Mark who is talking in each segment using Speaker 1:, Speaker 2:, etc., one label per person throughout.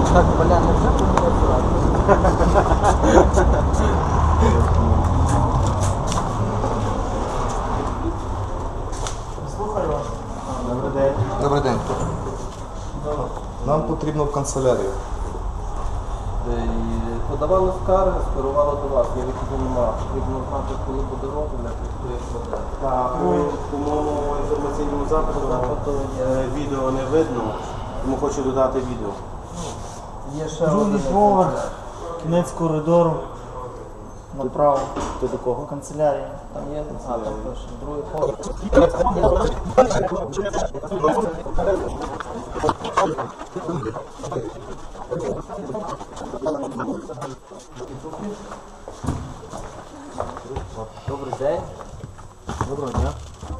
Speaker 1: Так, Валя, не вже помилися? Слухаю вас.
Speaker 2: Добрий день.
Speaker 3: Добрий день. Нам потрібно в канцелярію.
Speaker 1: Подавали скарги, скерували до вас. Я вихідні нема. Потрібно знати, коли буде розгляд і хто їх буде.
Speaker 2: Так, по моєму інформаційному запиту відео не видно, тому хочу додати відео.
Speaker 1: Є ще
Speaker 4: Другий
Speaker 1: один
Speaker 4: поверх,
Speaker 1: екземпляр.
Speaker 4: кінець коридору, направо,
Speaker 2: Ти до кого?
Speaker 4: канцелярія.
Speaker 1: Там є, там пише, другий поверх. Добрий день.
Speaker 2: Доброго дня.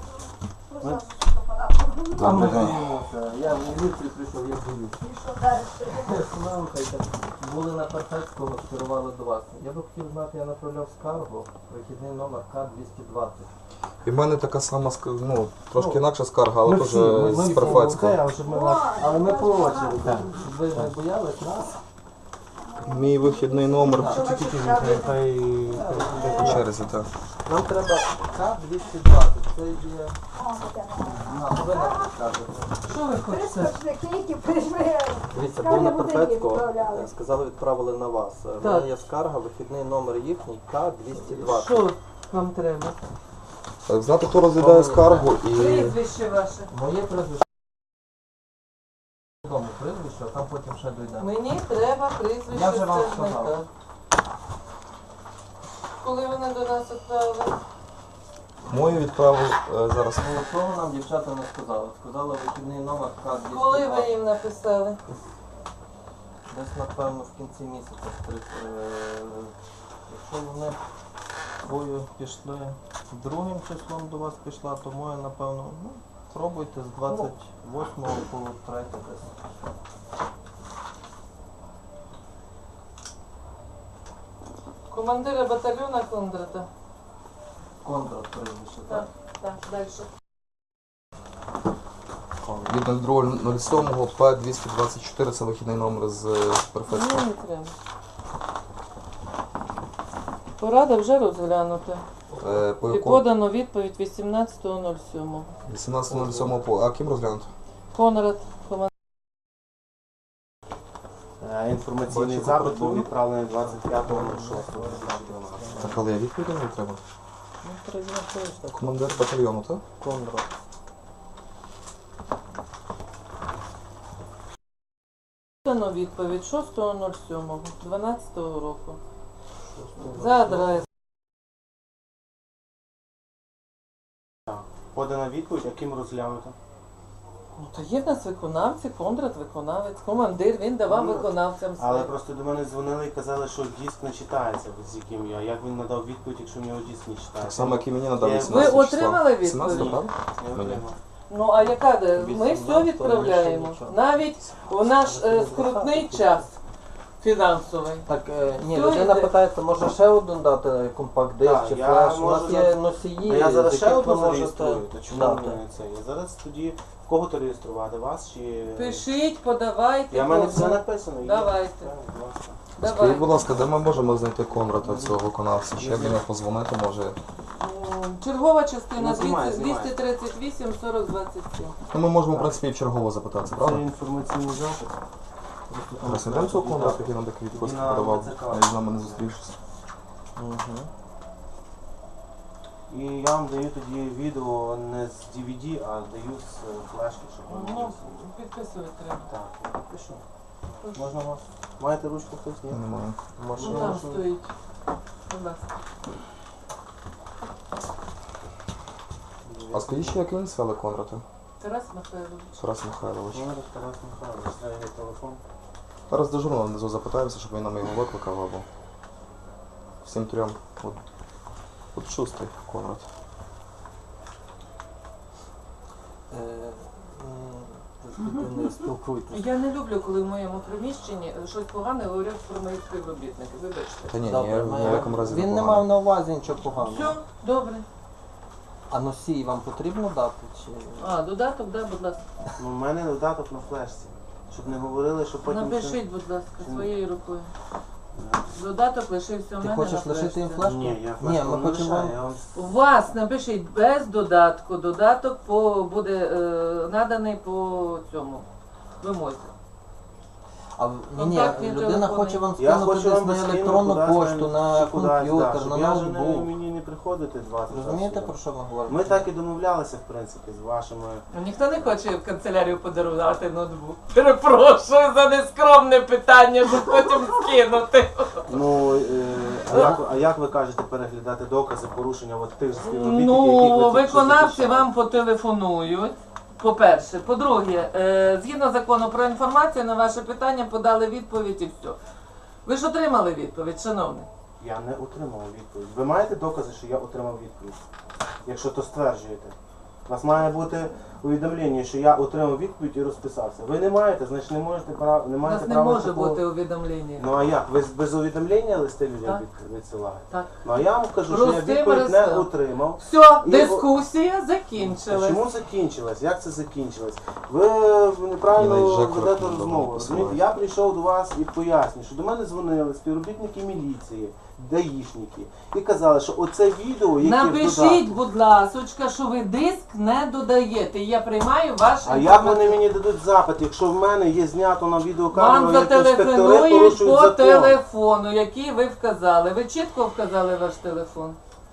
Speaker 3: Добрий день.
Speaker 1: Я в міліцію прийшов, я боюсь. Слухайте, були на Перфецького, скерували до вас. Я би хотів знати, я направляв скаргу, вихідний номер К-220.
Speaker 3: І в мене така сама, трошки інакша скарга, але теж з
Speaker 4: Перфецького.
Speaker 3: Перфецького.
Speaker 1: Але ми по очереді, щоб ви не боялись нас.
Speaker 3: Мій вихідний номер
Speaker 2: Хай
Speaker 3: по черзі, так.
Speaker 1: Нам треба К-220, це є... ви нам підкажете. Що ви хочете? Дивіться, був на Перфецького, сказали, відправили на вас. У мене є скарга, вихідний номер їхній К-220.
Speaker 5: Що вам треба?
Speaker 3: Знати, хто розглядає скаргу і...
Speaker 5: Прізвище ваше.
Speaker 1: Моє прізвище. Дому прізвище, а там потім ще дійдемо.
Speaker 5: Мені треба прізвище
Speaker 1: Я вже вам
Speaker 5: скаржника.
Speaker 1: сказав.
Speaker 5: Коли вони до нас відправили?
Speaker 3: Мою відправив зараз.
Speaker 1: Ну, того нам дівчата не сказали. Сказали вихідний номер К-220.
Speaker 5: Коли ви їм написали?
Speaker 1: Десь, напевно, в кінці місяця. Якщо вони свою пішли другим числом до вас пішла, то моя, напевно, пробуйте з 28 по 3 десь.
Speaker 5: Командира батальйона Кондрата.
Speaker 1: Контракт прізвище, так?
Speaker 5: Так, далі.
Speaker 3: Від 02.07 П-224, це вихідний номер з Перфецького.
Speaker 5: Мені не треба. Порада вже розглянута.
Speaker 3: По
Speaker 5: І
Speaker 3: якому?
Speaker 5: подано відповідь 18.07.
Speaker 3: 18.07 по... А ким розглянути?
Speaker 5: Конрад, командир.
Speaker 2: інформаційний
Speaker 3: Бачу,
Speaker 2: запит був
Speaker 3: прокуратуру.
Speaker 2: відправлений 25.06.
Speaker 3: Так, але я відповідь не треба.
Speaker 1: Ну, треба знати, так.
Speaker 3: Командир батальйону, так?
Speaker 1: Конрад.
Speaker 5: Подано відповідь 6.07, 12 року. За адресою.
Speaker 2: Подана відповідь, а ким розглянуто?
Speaker 5: Ну, то є в нас виконавці, Кондрат виконавець, командир, він давав
Speaker 2: Ну,
Speaker 5: виконавцям
Speaker 2: Але
Speaker 5: своїм.
Speaker 2: просто до мене дзвонили і казали, що диск не читається, з яким я. Як він надав відповідь, якщо в нього диск не читається?
Speaker 3: Так само, як і мені надав
Speaker 2: Ви
Speaker 3: 18 числа.
Speaker 5: отримали відповідь?
Speaker 3: 17, правда?
Speaker 2: Не отримав.
Speaker 5: Ну а яка де? Ми
Speaker 1: 18,
Speaker 5: все відправляємо.
Speaker 1: то нічого.
Speaker 5: Навіть у наш скрутний час фінансовий.
Speaker 1: Так, ні,
Speaker 5: Все
Speaker 1: людина
Speaker 5: йде.
Speaker 1: питається, може ще один дати компакт-диск
Speaker 2: Так,
Speaker 1: чи
Speaker 2: я
Speaker 1: флеш. У нас
Speaker 2: можу
Speaker 1: є
Speaker 2: на-
Speaker 1: носії,
Speaker 2: А я зараз
Speaker 1: з
Speaker 2: ще
Speaker 1: яких ви
Speaker 2: одну
Speaker 1: можете
Speaker 2: зареєструю, то чому
Speaker 1: дати.
Speaker 2: мені не це? Я зараз тоді в кого-то реєструвати, вас чи...
Speaker 5: Пишіть, подавайте.
Speaker 2: Я в мене
Speaker 5: кого.
Speaker 2: все написано. є.
Speaker 5: Давайте.
Speaker 2: Так, будь ласка.
Speaker 3: Скажіть,
Speaker 5: Давайте.
Speaker 3: будь ласка, де ми можемо знайти Конрада, цього виконавця? Чи як до нього позвонити, може?
Speaker 5: Чергова частина
Speaker 2: Ну, знімай,
Speaker 5: 238 40 27.
Speaker 3: Ну, ми можемо, в принципі, і в чергово запитатися,
Speaker 2: Це
Speaker 3: правда?
Speaker 2: інформаційний запит.
Speaker 3: Зараз не цього Конрада, який нам такі відпустки
Speaker 2: На
Speaker 3: подавав,
Speaker 2: ВЦК.
Speaker 3: а з нами не зустрівшись.
Speaker 2: І я вам даю тоді відео не з DVD, а даю з флешки, щоб ви
Speaker 5: Ну,
Speaker 2: могли.
Speaker 5: підписувати треба.
Speaker 2: Так, я підпишу. Можна вас? Маєте ручку хтось? Ні?
Speaker 3: Немає.
Speaker 5: Ну
Speaker 2: Машина.
Speaker 5: там стоїть. Будь ласка.
Speaker 3: А скажіть, ще, як він звали Конрада?
Speaker 5: Тарас Михайлович.
Speaker 3: Тарас Михайлович.
Speaker 2: Номер Тарас Михайлович, це його телефон.
Speaker 3: Зараз дежурно внизу запитаємося, щоб він нам його викликав, або всім трьом. От шустий Конрад.
Speaker 1: з людиною спілкуйтесь.
Speaker 5: Я не люблю, коли в моєму приміщенні щось погане говорять про моїх співробітників. Вибачте.
Speaker 3: Та ні,
Speaker 1: Добре,
Speaker 3: ні в якому разі
Speaker 1: він не
Speaker 3: погано.
Speaker 1: мав на увазі нічого поганого.
Speaker 5: Все, добре.
Speaker 1: А носій вам потрібно дати? Чи...
Speaker 5: А, додаток, да, будь ласка.
Speaker 2: Ну, у мене додаток на флешці. Щоб не говорили, що потім...
Speaker 5: Напишіть, будь ласка, своєю рукою. Додаток лишився в
Speaker 1: Ти
Speaker 5: мене
Speaker 1: хочеш
Speaker 5: на
Speaker 1: лишити їм
Speaker 5: флешці.
Speaker 1: флешку?
Speaker 2: Ні, я
Speaker 1: Ні,
Speaker 2: флешку
Speaker 1: ми
Speaker 2: не
Speaker 1: хочемо
Speaker 2: лишаю, я вам...
Speaker 5: У вас напишіть без додатку. Додаток буде наданий по цьому вимозі.
Speaker 1: А ні,
Speaker 5: Контактні
Speaker 1: людина
Speaker 5: телефони.
Speaker 1: хоче вам
Speaker 2: Я
Speaker 1: скинути
Speaker 2: хочу
Speaker 1: десь
Speaker 2: вам
Speaker 1: на
Speaker 2: скинути
Speaker 1: електронну
Speaker 2: кудись,
Speaker 1: пошту, на
Speaker 2: чи кудись, да,
Speaker 1: комп'ютер, на
Speaker 2: щоб я вже
Speaker 1: ноутбук.
Speaker 2: мені не приходити 20
Speaker 1: Розумієте,
Speaker 2: разів.
Speaker 1: про що ми говоримо?
Speaker 2: Ми так і домовлялися, в принципі, з вашими...
Speaker 5: Ніхто не хоче в канцелярію подарувати ноутбук. Перепрошую за нескромне питання, щоб потім скинути.
Speaker 2: Ну, а як ви кажете переглядати докази порушення от тих же співробітників, яких ви
Speaker 5: Ну,
Speaker 2: тільки що
Speaker 5: виконавці
Speaker 2: захищали?
Speaker 5: вам потелефонують. По-перше. По-друге, згідно закону про інформацію, на ваше питання подали відповідь і все. Ви ж отримали відповідь, шановний?
Speaker 2: Я не отримав відповідь. Ви маєте докази, що я отримав відповідь? Якщо то стверджуєте. У вас має бути повідомлення, що я отримав відповідь і розписався. Ви не маєте, значить не маєте
Speaker 5: У
Speaker 2: права
Speaker 5: нас не
Speaker 2: права
Speaker 5: може
Speaker 2: такого.
Speaker 5: бути увідомлення.
Speaker 2: Ну а як? Ви без увідомлення листи людям
Speaker 5: Так.
Speaker 2: відсилаєте?
Speaker 5: Так.
Speaker 2: Ну а я вам кажу, що я
Speaker 5: Простим
Speaker 2: відповідь не
Speaker 5: листом.
Speaker 2: отримав.
Speaker 5: Все,
Speaker 2: І-
Speaker 5: дискусія закінчилась.
Speaker 2: Чому закінчилась? Як це закінчилось? Ви неправильно
Speaker 3: І навіть
Speaker 2: ведете
Speaker 3: Жекова
Speaker 2: розмову.
Speaker 3: посилається.
Speaker 2: Розумієте? Я прийшов до вас і поясню, що до мене дзвонили співробітники міліції, даїшники, і казали, що оце відео, яке в
Speaker 5: Напишіть,
Speaker 2: додатку.
Speaker 5: будь ласочка, що ви диск не додаєте. І я приймаю ваш
Speaker 2: А як вони мені дадуть запит, якщо в мене є знято на відеокамеру,
Speaker 5: Вам
Speaker 2: як інспектори
Speaker 5: зателефонують
Speaker 2: порушують
Speaker 5: по
Speaker 2: закон?
Speaker 5: телефону, який ви вказали. Ви чітко вказали ваш телефон?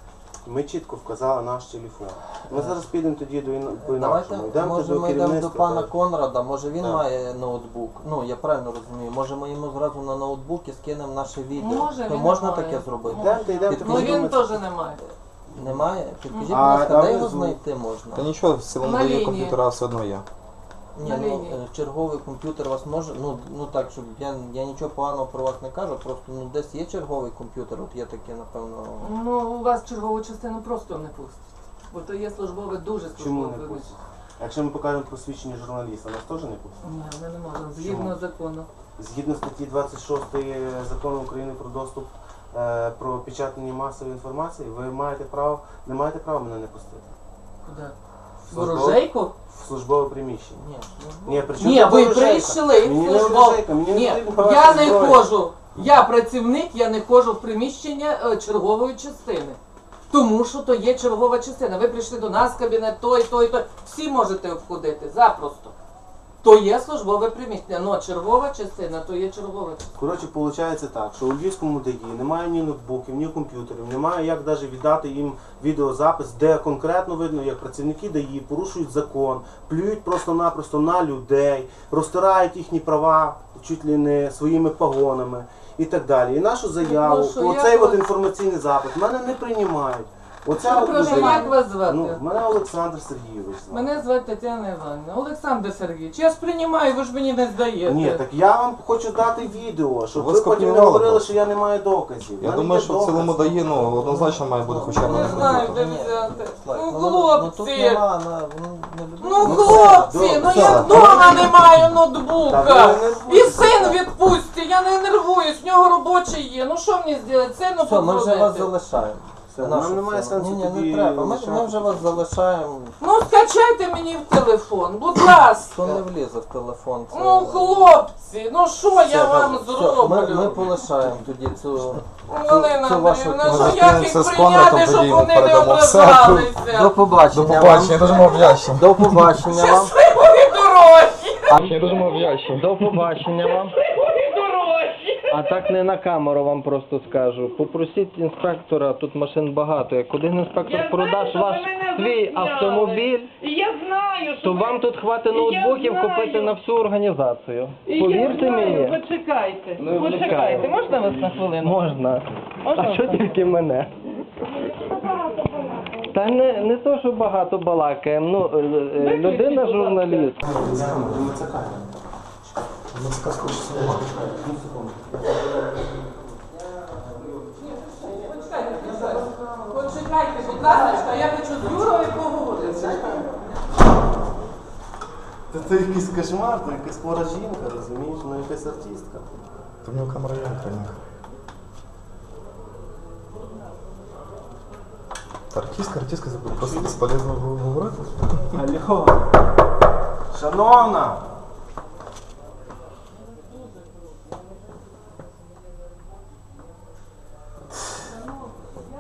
Speaker 2: Ми чітко вказали наш телефон. Ми зараз підемо тоді по
Speaker 1: Давайте,
Speaker 2: інакшому. Йдемо
Speaker 1: може
Speaker 2: до
Speaker 1: ми йдемо до
Speaker 2: керівництва.
Speaker 1: пана Конрада, може він
Speaker 2: Так.
Speaker 1: має ноутбук. Ну, я правильно розумію, може ми йому зразу на ноутбук і скинемо наше відео.
Speaker 5: Може,
Speaker 1: То
Speaker 5: він
Speaker 1: можна
Speaker 5: не має.
Speaker 1: таке зробити?
Speaker 2: Йдемте,
Speaker 5: Ну
Speaker 1: Підкажіть,
Speaker 5: він теж не має.
Speaker 1: Немає? Підкажіть, будь
Speaker 2: А,
Speaker 1: ласка, де його
Speaker 2: внизу?
Speaker 1: знайти можна?
Speaker 3: Та нічого, в цілому
Speaker 5: На
Speaker 3: дає
Speaker 5: лінії.
Speaker 3: комп'ютера все одно є.
Speaker 1: Ні,
Speaker 5: на
Speaker 1: ну,
Speaker 5: лінії.
Speaker 1: черговий комп'ютер у вас може, ну так, щоб я нічого поганого про вас не кажу, просто ну десь є черговий комп'ютер, от є таке, напевно.
Speaker 5: Ну, у вас чергову частину просто не пустять. Бо то є службове, дуже
Speaker 2: Чому
Speaker 5: службове
Speaker 2: не
Speaker 5: приміщення.
Speaker 2: пустять? Якщо ми покажемо посвідчення журналіста, нас теж не пустять?
Speaker 5: Ні, ми не можемо, згідно закону.
Speaker 2: Згідно статті 26 Закону України про доступ про печатання масової інформації, ви маєте право, не маєте права мене не пустити.
Speaker 5: Куди? В
Speaker 2: Службове-
Speaker 5: ворожейку?
Speaker 2: В службове приміщення.
Speaker 1: Ні,
Speaker 2: Ні, при чому
Speaker 5: Ні,
Speaker 2: тут
Speaker 5: ви
Speaker 2: ворожейка?
Speaker 5: прийшли
Speaker 2: Мені
Speaker 5: в
Speaker 2: не
Speaker 5: службу.
Speaker 2: ворожейка, мені не
Speaker 5: Ні,
Speaker 2: потрібна ваша
Speaker 5: я не
Speaker 2: зброя.
Speaker 5: ходжу. Я працівник, я не ходжу в приміщення чергової частини. Тому що то є чергова частина. Ви прийшли до нас в кабінет, той. Всі можете обходити, запросто. То є службове приміщення, але чергова частина, то є чергова частина.
Speaker 2: Коротше, виходить так, що у Львівському ДАІ немає ні ноутбуків, ні комп'ютерів, немає як навіть віддати їм відеозапис, де конкретно видно, як працівники ДАІ порушують закон, плюють просто-напросто на людей, розтирають їхні права чуть ли не своїми погонами і так далі. І нашу заяву,
Speaker 5: Ну, що,
Speaker 2: оцей
Speaker 5: як
Speaker 2: от
Speaker 5: ви-
Speaker 2: інформаційний запит, мене не приймають. Оця от
Speaker 5: Прошу,
Speaker 2: людина-
Speaker 5: як вас звати?
Speaker 2: Ну, мене Олександр Сергійович звати.
Speaker 5: Мене звати Тетяна Іванівна. Олександр Сергійович, я ж приймаю, ви ж мені не здаєте.
Speaker 2: Ні, так я вам хочу дати відео, щоб
Speaker 3: Ви
Speaker 2: ви потім не
Speaker 3: скопіювали
Speaker 2: говорили,
Speaker 3: просто.
Speaker 2: що я не маю доказів.
Speaker 3: Я
Speaker 2: мене
Speaker 3: думаю,
Speaker 2: є
Speaker 3: що в цілому
Speaker 2: докази.
Speaker 3: дає, ну, однозначно має бути хоча б
Speaker 5: Не
Speaker 3: один
Speaker 5: знаю,
Speaker 3: комп'ютер.
Speaker 5: де взяти.
Speaker 1: Слайк,
Speaker 5: Ну,
Speaker 1: тут
Speaker 5: хлопці!
Speaker 1: нема,
Speaker 5: Ну,
Speaker 1: не
Speaker 5: хлопці, ну я вдома не маю
Speaker 2: Та
Speaker 5: ноутбука.
Speaker 2: ви не
Speaker 5: І син відпустці, я не нервуюсь, в нього робочий є. Ну що мені зробити? Сину
Speaker 1: Все, ми вже вас
Speaker 5: позвонити.
Speaker 1: залишаємо.
Speaker 2: Все,
Speaker 1: Нашу
Speaker 2: нам немає
Speaker 1: сцену.
Speaker 2: сенсу
Speaker 1: Ні,
Speaker 2: тобі
Speaker 1: не треба. Ми
Speaker 2: лишати.
Speaker 1: вже вас залишаємо.
Speaker 5: Ну скачайте мені в телефон, будь ласка.
Speaker 1: То не влізе в телефон. Це...
Speaker 5: Ну хлопці, ну що
Speaker 1: Все,
Speaker 5: я вам
Speaker 1: добре. Все,
Speaker 5: зроблю?
Speaker 1: Ми полишаємо тоді цю...
Speaker 5: Галина
Speaker 1: цю вашу
Speaker 5: Андріївна,
Speaker 3: Ми
Speaker 5: що як
Speaker 3: зустрінемося
Speaker 5: їх
Speaker 3: з Конрадом,
Speaker 5: прийняти, щоб
Speaker 3: тоді
Speaker 5: вони не
Speaker 3: передамо все.
Speaker 5: ображалися?
Speaker 1: До побачення.
Speaker 3: До побачення, я дуже вам вдячний.
Speaker 1: До побачення вам.
Speaker 5: Щасливої дороги!
Speaker 3: Я дуже вам вдячний.
Speaker 1: До побачення вам. А так не на камеру вам просто скажу. Попросіть інспектора, тут машин багато. Як один інспектор продаш ваш свій автомобіль,
Speaker 5: Я знаю,
Speaker 1: то вам тут хватить ноутбуків купити на всю організацію. Повірте мені.
Speaker 5: Почекайте,
Speaker 1: Ну,
Speaker 5: почекайте. Можна вас на хвилину?
Speaker 1: Можна.
Speaker 5: Можна
Speaker 1: А що
Speaker 5: вас?
Speaker 1: тільки мене? Та не то, що багато балакаємо. Ну, людина журналіст.
Speaker 5: Почекайте, будь ласка, я хочу з Юрою поговорити.
Speaker 2: Та це якийсь кошмар, то якась хвора жінка, розумієш, ну якась артистка.
Speaker 3: Та в нього камера є, Українка. Та артистка, просто безполезно говорити.
Speaker 2: Алло. Шановна!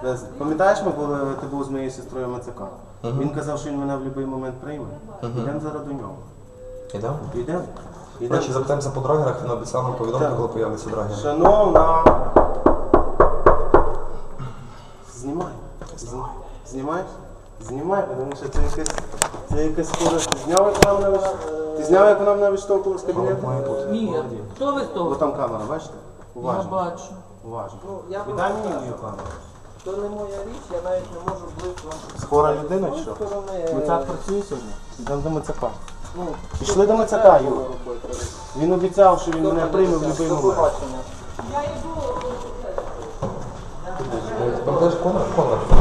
Speaker 2: Пам'ятаєш, коли ти був з моєю сестрою МЦК? Він казав, що він мене в будь-який момент прийме. Йдемо зараз до нього.
Speaker 3: Ідемо?
Speaker 2: Йдемо.
Speaker 3: Коротше, запитаємося по драгерах, він обіцяв нам повідомити,
Speaker 2: Так.
Speaker 3: коли появляться драгери.
Speaker 2: Шановна. Знімай. Знімаєш? Знімай, тому що це якась схожа. Ти зняв, як вона мене відштовхувала з кабінету?
Speaker 3: Має бути.
Speaker 5: Ні, хто ви з
Speaker 2: Бо
Speaker 5: того?
Speaker 2: там камера, бачите?
Speaker 5: Я
Speaker 2: Уважно.
Speaker 5: бачу.
Speaker 2: Уважно.
Speaker 1: Ну, я
Speaker 2: Віддай мені мою камеру.
Speaker 1: То не моя річ, я навіть не можу близько вам
Speaker 2: Хвора людина чи
Speaker 1: з
Speaker 2: що?
Speaker 1: тої сторони.
Speaker 2: Мицак працює сьогодні? Йдемо до Мицака.
Speaker 1: Ну,
Speaker 2: Пішли до Мицака,
Speaker 1: треба
Speaker 2: Юр.
Speaker 1: було робити.
Speaker 2: Він обіцяв, що він мене прийме в будь-який
Speaker 1: До
Speaker 2: момент.
Speaker 1: побачення.
Speaker 3: Пам'ятаєш, Конор?